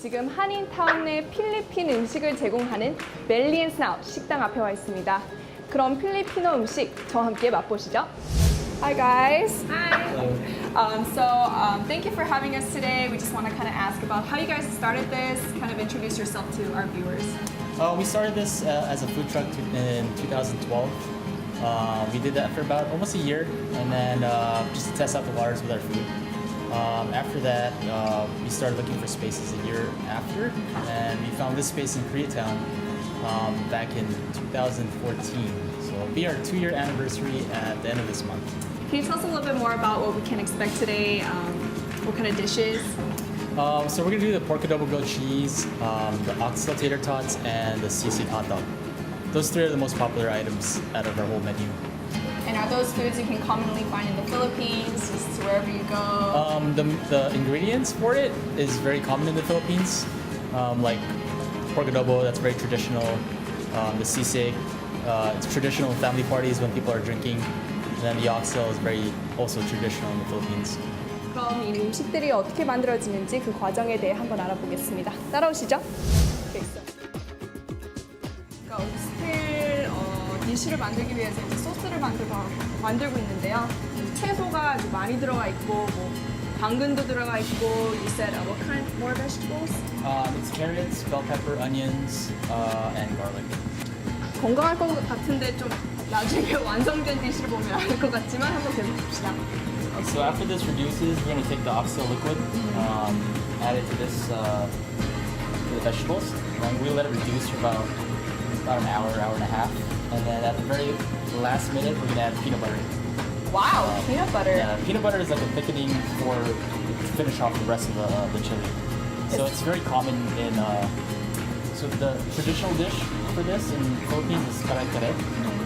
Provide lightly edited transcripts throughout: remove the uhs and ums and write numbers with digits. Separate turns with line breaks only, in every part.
지금 한인타운 내 필리핀 음식을 제공하는 벨리 앤 스나우 식당 앞에 와 있습니다. 그럼 필리핀어 음식 저와 함께 맛보시죠. Hi guys.
Hi.
Thank you for having us today. We just want to kind of ask about how you guys started this, kind of introduce yourself to our viewers.
We started this as a food truck in 2012. We did that for about almost a year, and then just to test out the waters with our food. After that, we started looking for spaces a year after, and we found this space in Koreatown back in 2014. So it'll be our 2-year anniversary at the end of this month.
Can you tell us a little bit more about what we can expect today? What kind of dishes?
So we're gonna do the pork adobo grilled cheese, the oxtail tater tots, and the sisig hot dog. Those 3 are the most popular items out of our whole menu.
And are those foods you can commonly find in the Philippines, just wherever you go?
The ingredients for it is very common in the Philippines, like pork adobo, that's very traditional. The sisig, it's traditional in family parties when people are drinking. And then the oxtail is very also traditional in the Philippines.
그럼 이 음식들이 어떻게 만들어지는지 그 과정에 대해 한번 알아보겠습니다. 따라오시죠. 그러니까 오스텔 디쉬를 만들기 위해서 이제 소스를 만들고 있는데요. 채소가 아주 많이 들어가 있고, 뭐 당근도 들어가 있고. You said what kind more vegetables?
It's carrots, bell pepper, onions, and garlic.
건강할 것 같은데 좀 나중에 완성된 디쉬를 보면 알 것 같지만 한번 계속 봅시다.
So after this reduces, we're going to take the oxtail liquid, add it to this to the vegetables, and we let it reduce for about an hour, hour and a half, and then at the very last minute, we're going to add peanut butter.
Wow, peanut butter.
Yeah, peanut butter is like a thickening for to finish off the rest of the chili. So it's very common in. So the traditional dish for this in the Philippines is kare kare.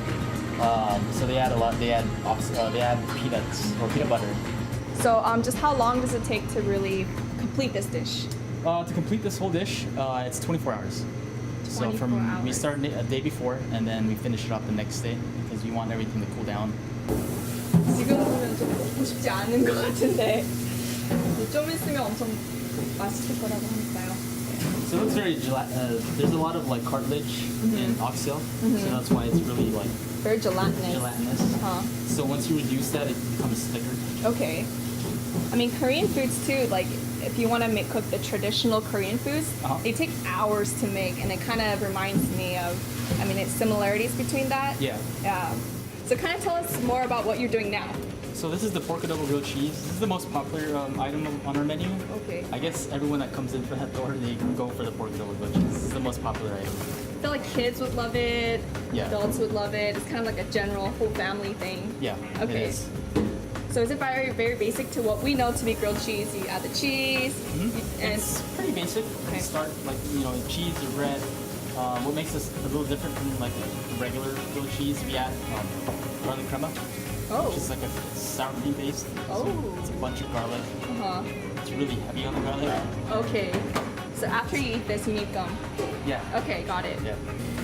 So they add a lot. They add peanuts or peanut butter.
So just how long does it take to really complete this dish?
To complete this whole dish, it's 24 hours. So
24
we
hours.
start a day before and then we finish it off the next day because we want everything to cool down.
지금 보면 좀 먹고 싶지 않은 것 같은데 좀 있으면 엄청 맛있을 거라고 하니까요.
So it looks very there's a lot of like cartilage in oxtail, so that's why it's really like
Very gelatinous.
gelatinous.
Uh-huh.
So once you reduce that, it becomes thicker.
Okay. I mean, Korean foods too, like if you want to cook the traditional Korean foods,
Uh-huh.
they take hours to make, and it kind of reminds me of, I mean, it's similarities between that.
Yeah.
Yeah. So kind of tell us more about what you're doing now.
So this is the pork adobo grilled cheese. This is the most popular item on our menu.
Okay.
I guess everyone that comes in for that door, they go for the pork adobo grilled cheese. This is the most popular item.
I feel like kids would love it,
Yeah.
adults would love it. It's kind of like a general whole family thing.
Yeah,
Okay.
it is.
So is it very, very basic to what we know to be grilled cheese? You add the cheese, and
It's pretty basic.
Okay.
Start like cheese or bread. What makes this a little different from like regular grilled cheese? We add garlic crema,
oh,
which is like a sour cream paste. So
Oh.
it's a bunch of garlic.
uh-huh.
It's really heavy on the garlic.
Okay. So after you eat this, you need gum.
Yeah.
Okay, got it.
Yeah.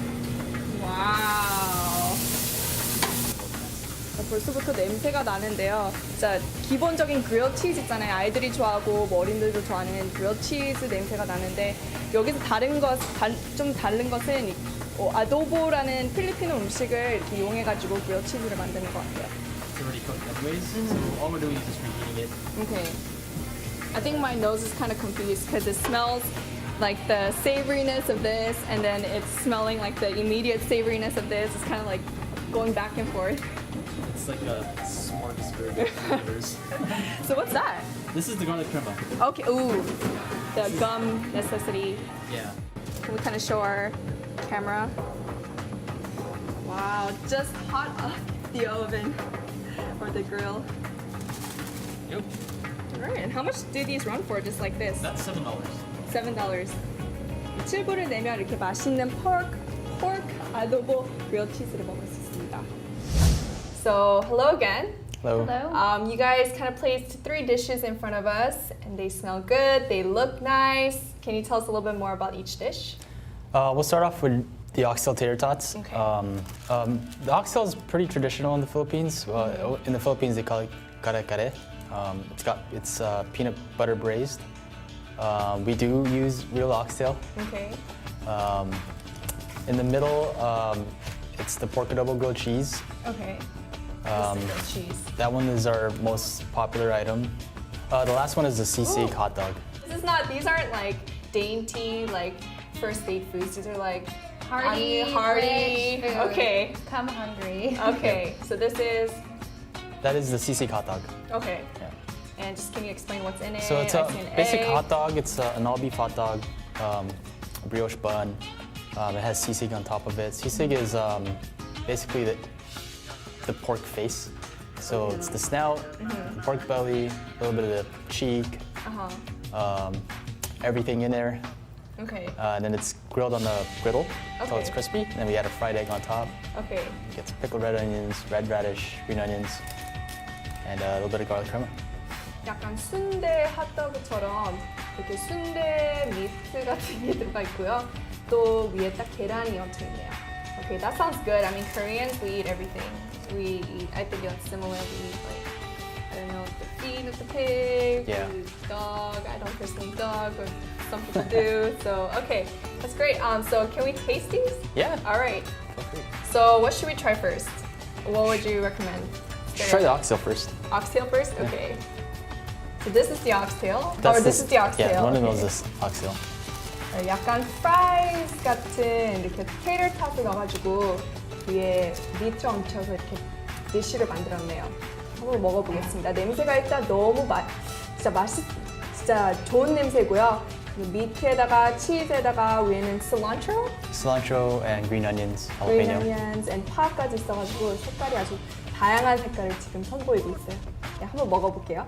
와우. 벌써부터 냄새가 나는데요. 진짜 기본적인 그릴 치즈 있잖아요. 아이들이 좋아하고 뭐 어린들도 좋아하는 그릴 치즈 냄새가 나는데 여기서 좀 다른 것은 아도보라는 필리핀어 음식을 이렇게 이용해가지고 그릴 치즈를 만드는 것 같아요.
It's already cooked anyways. So all we're doing is just reheating it.
Okay. I think my nose is kind of confused because it smells like the savoriness of this, and then it's smelling like the immediate savoriness of this. It's kind of like going back and forth.
It's like a smorgasbord of flavors.
So what's that?
This is the garlic crema.
Okay, ooh, the gum necessity.
Yeah.
Can we kind of show our camera? Wow, just hot off the oven or the grill.
Yep.
All right, and how much do these run for, just like this?
That's $7.
$7. 7불을 내면 이렇게 맛있는 pork adobo grilled cheese를 먹을 수 있습니다. So, hello again.
Hello.
You guys kind of placed 3 dishes in front of us, and they smell good, they look nice. Can you tell us a little bit more about each dish?
We'll start off with the oxtail tater tots.
Okay.
The oxtail is pretty traditional in the Philippines. In the Philippines, they call it kare kare. It's peanut butter braised. We do use real oxtail.
Okay.
In the middle, it's the pork adobo grilled cheese.
Okay. Cheese.
That one is our most popular item. The last one is the sisig
Ooh.
hot dog.
These aren't like dainty, like first date foods. These are like
Hearty,
hearty.
rich food.
Okay.
Come hungry.
Okay. So this is
That is the sisig hot dog.
okay.
Yeah.
And just can you explain what's in it?
So it's
I
a
see an
basic
egg.
hot dog. It's an all beef hot dog, a brioche bun. It has sisig on top of it. Sisig is basically the pork face. So it's the snout, the pork belly, a little bit of the cheek, everything in there.
Okay.
And then it's grilled on the griddle until it's
Okay.
crispy. And then we add a fried egg on top.
Okay.
It gets pickled red onions, red radish, green onions, and a little bit of garlic crema.
약간 순대 핫도그처럼 이렇게 순대 미트 같은 게 들어가 있고요. 또 위에 딱 계란이 얹혀 있네요. Okay, that sounds good. I mean, Koreans, we eat everything. We eat, I think it's similar. We eat like, I don't know, the feet of the pig,
Yeah.
the dog. I don't personally eat dog, but some people do. So, okay, that's great. So can we taste these?
Yeah.
All right.
Feel free.
So what should we try first? What would you recommend?
Just try the oxtail first.
Oxtail first? Okay. So this is the oxtail?
That's
or this is the oxtail?
Yeah, one of those
Okay.
is oxtail.
약간 프라이즈 같은 이렇게 테이터 탑을 넣어가지고 위에 미트 얹혀서 이렇게 디쉬를 만들었네요. 한번 먹어보겠습니다. 냄새가 일단 너무 진짜 좋은 냄새고요. 미트에다가 치즈에다가 위에는 cilantro,
Cilantro and green onions,
green
jalapeno.
onions, and 파까지 있어가지고 색깔이 아주 다양한 색깔을 지금 선보이고 있어요. 네, 한번 먹어볼게요.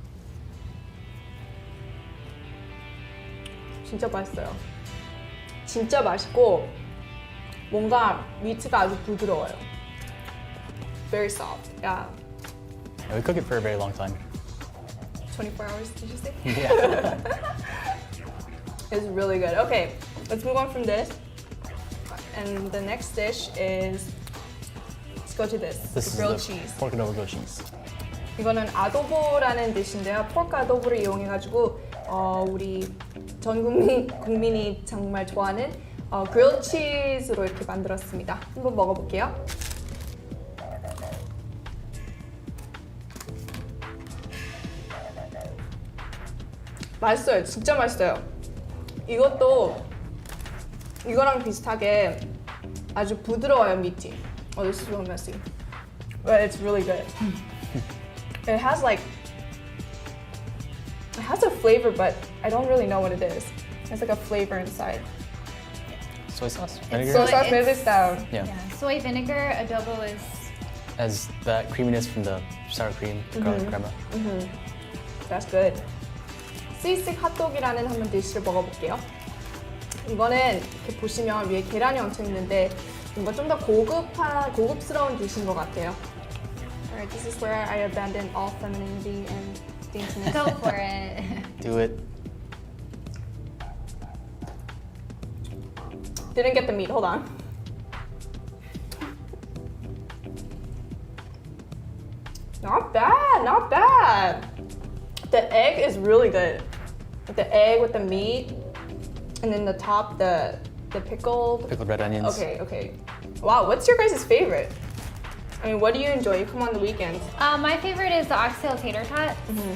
진짜 맛있어요. 진짜 맛있고 뭔가 미트가 아주 부드러워요. Very soft. Yeah.
Yeah, we cook it for a very long time.
24 hours, did you say?
Yeah.
It's really good. Okay, let's move on from this. And the next dish is, let's go to this.
This is
grilled
the
cheese.
pork adobo grilled cheese.
이거는 아도보라는 디시인데요. 포크 아도보를 이용해가지고 우리 전 국민이 정말 좋아하는 grilled cheese로 이렇게 만들었습니다. 한번 먹어볼게요. 맛있어요. 진짜 맛있어요. 이것도 이거랑 비슷하게 아주 부드러워요, 미트. Oh, this is real messy. But it's really good. It has a flavor, but I don't really know what it is. It's like a flavor inside.
Soy sauce, vinegar.
Soy
So
sauce, maybe
it's-
it's down.
Yeah.
Yeah, soy vinegar adobo is
As that creaminess from the sour cream, the garlic crema.
That's good. 시식 핫도그라는 한번 디시를 먹어볼게요. 이거는 이렇게 보시면 위에 계란이 얹혀 있는데 뭔가 좀 더 고급스러운 디시인 것 같아요. Alright, this is where I abandon all femininity and daintiness.
go for it.
Do it.
Didn't get the meat. Hold on. Not bad, not bad. The egg is really good. The egg with the meat, and then the top, the pickled.
Pickled red onions.
Okay. Wow, what's your guys' favorite? I mean, what do you enjoy? You come on the weekends.
My favorite is the oxtail tater tot.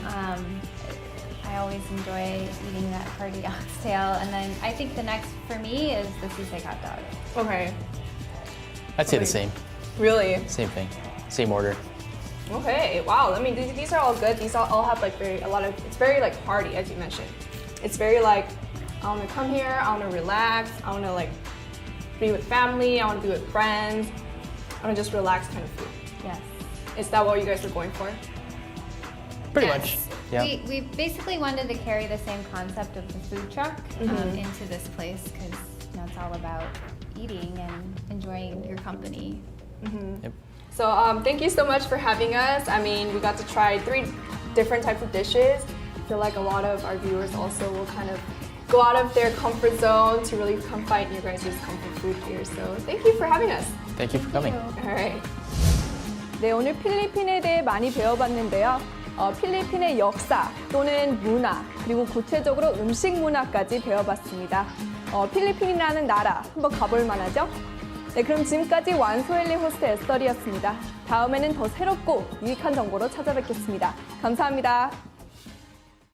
I always enjoy eating that hearty oxtail, and then I think the next for me is the sisig hot dog.
Okay,
I'd say the
Wait.
same.
really?
Same thing. Same order.
Okay, wow. I mean, these are all good. These all have like it's very like hearty, as you mentioned. It's very like, I want to come here, I want to relax, I want to like be with family, I want to be with friends, I want to just relax kind of food.
Yes.
Is that what you guys were going for?
Pretty
Yes.
much. Yeah.
We basically wanted to carry the same concept of the food truck into this place because it's all about eating and enjoying your company.
Yep.
So thank you so much for having us. I mean, we got to try 3 different types of dishes. I feel like a lot of our viewers also will kind of go out of their comfort zone to really come find your guys' comfort food here. So thank you for having us.
Thank you for coming.
Alright. 네, 오늘 필리핀에 대해 많이 배워봤는데요. 필리핀의 역사 또는 문화, 그리고 구체적으로 음식 문화까지 배워봤습니다. 필리핀이라는 나라 한번 가볼 만하죠? 네, 그럼 지금까지 완소엘리 호스트 에스더리였습니다. 다음에는 더 새롭고 유익한 정보로 찾아뵙겠습니다. 감사합니다.